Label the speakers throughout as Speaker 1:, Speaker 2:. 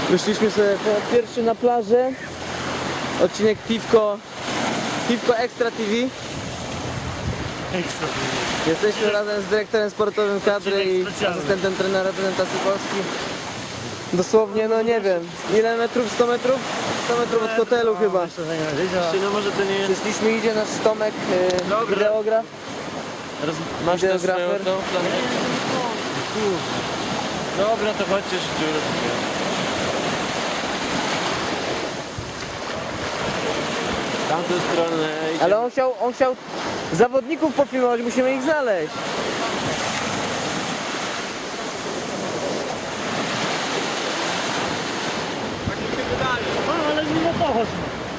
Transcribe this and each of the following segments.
Speaker 1: Wyszliśmy sobie po raz pierwszy na plażę. Odcinek Piwko Extra TV. Jesteśmy razem z dyrektorem sportowym kadry i asystentem trenera reprezentacji Polski. Dosłownie, no nie wiem, ile metrów? 100 metrów? 100 metrów od hotelu chyba.
Speaker 2: No może to nie jest...
Speaker 1: Przyszliśmy, idzie nasz Tomek, wideograf.
Speaker 2: Masz też
Speaker 1: Wideografer.
Speaker 2: swoją tą planetę? Dobra, to chodźcie dziurę. Tamtą stronę idzie.
Speaker 1: Ale on chciał zawodników pofilmować, musimy ich znaleźć.
Speaker 3: Ale mimo to chodź.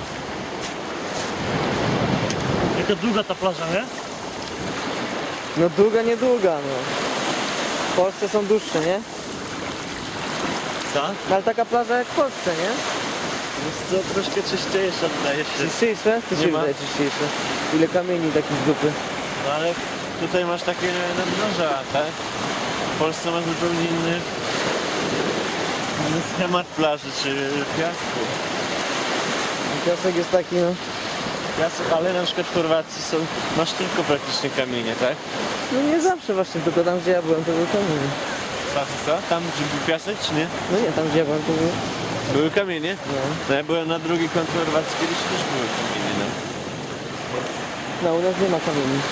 Speaker 3: Jaka długa ta plaża, nie?
Speaker 1: No długa, niedługa, no. W Polsce są dłuższe, nie?
Speaker 2: Co?
Speaker 1: No, ale taka plaża jak w Polsce, nie?
Speaker 2: Jest to troszkę czyściejsza wydaje się.
Speaker 1: Czyściejsze? To
Speaker 2: Nie
Speaker 1: się
Speaker 2: ma.
Speaker 1: wydaje czyściejsze. Ile kamieni takich z dupy.
Speaker 2: No ale tutaj masz takie nadmorza, tak? W Polsce masz zupełnie inny schemat plaży czy piasku.
Speaker 1: Piasek jest taki, no.
Speaker 2: Piasek, ale na przykład w Chorwacji masz tylko praktycznie kamienie, tak?
Speaker 1: No nie zawsze właśnie, tylko tam gdzie ja byłem to był kamień.
Speaker 2: Co? Tam gdzie był piasek czy nie?
Speaker 1: No nie, tam gdzie ja byłem to był...
Speaker 2: Były kamienie?
Speaker 1: No.
Speaker 2: No ja byłem na drugi kąt Chorwacji, kiedyś też były kamienie, no.
Speaker 1: No u nas nie ma kamieni.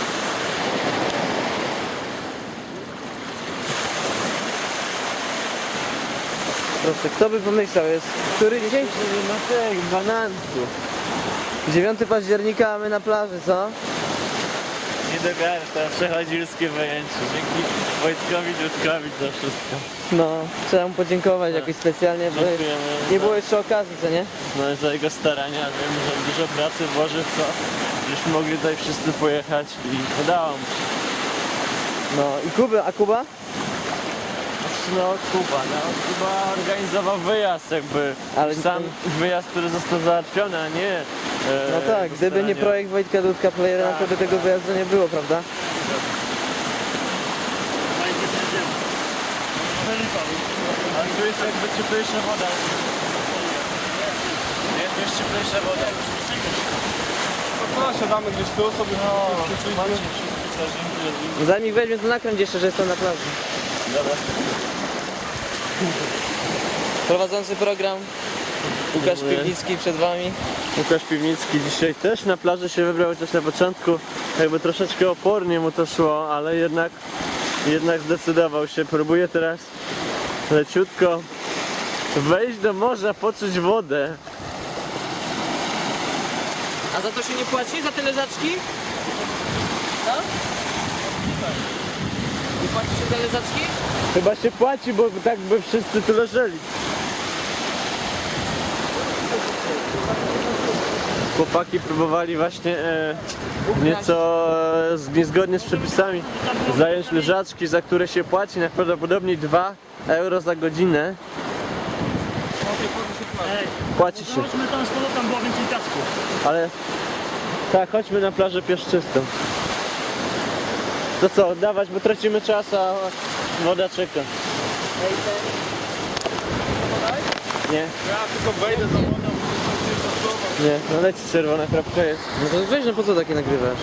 Speaker 1: Proszę, kto by pomyślał, jest który dzisiaj?
Speaker 2: No tak, bananku.
Speaker 1: 9 października, a my na plaży, co?
Speaker 2: Nie dogarsz, to przechodzilskie wejęcie. Dzięki Wojtkowi Dudkowi za wszystko.
Speaker 1: No, trzeba mu podziękować jakoś specjalnie, bo
Speaker 2: Dziękujemy
Speaker 1: nie
Speaker 2: za-
Speaker 1: było jeszcze okazji, co nie?
Speaker 2: No za jego starania, wiem, że dużo pracy włożył w to, żeśmy mogli tutaj wszyscy pojechać i udało mu się.
Speaker 1: No i Kuba?
Speaker 2: No Kuba organizował wyjazd jakby,
Speaker 1: Ale
Speaker 2: sam wyjazd, który został załatwiony, a nie
Speaker 1: No tak, gdyby nie projekt Wojtka Dudka Playera, to by tego wyjazdu nie było, prawda?
Speaker 2: Ale tu jest jakby cieplejsza woda. Nie, tu jest cieplejsza woda.
Speaker 4: No, siadamy gdzieś tu sobie.
Speaker 1: Zanim weźmie to nakręć jeszcze, że jestem na plaży.
Speaker 2: Dobra.
Speaker 1: Prowadzący program Łukasz
Speaker 2: Dziękuję.
Speaker 1: Piwnicki przed wami.
Speaker 2: Łukasz Piwnicki dzisiaj też na plaży się wybrał, chociaż na początku jakby troszeczkę opornie mu to szło, ale jednak zdecydował się. Próbuje teraz leciutko wejść do morza, poczuć wodę.
Speaker 1: A za to się nie płaci? Za te leżaczki? Co? Nie płaci się za leżaczki?
Speaker 2: Chyba się płaci, bo tak by wszyscy tu leżeli. Chłopaki próbowali właśnie nieco niezgodnie z przepisami zająć leżaczki, za które się płaci najprawdopodobniej 2 euro za godzinę.
Speaker 3: Ej,
Speaker 2: Płaci się,
Speaker 3: chodźmy tam z powrotem, było więcej piasku.
Speaker 2: ale tak, chodźmy na plażę pieszczystą. To co, dawać, bo tracimy czas, a woda czeka. Nie,
Speaker 4: Ja tylko wejdę za wodą.
Speaker 2: nie, no leci czerwona kropka jest.
Speaker 1: No to weź, no po co takie nagrywasz?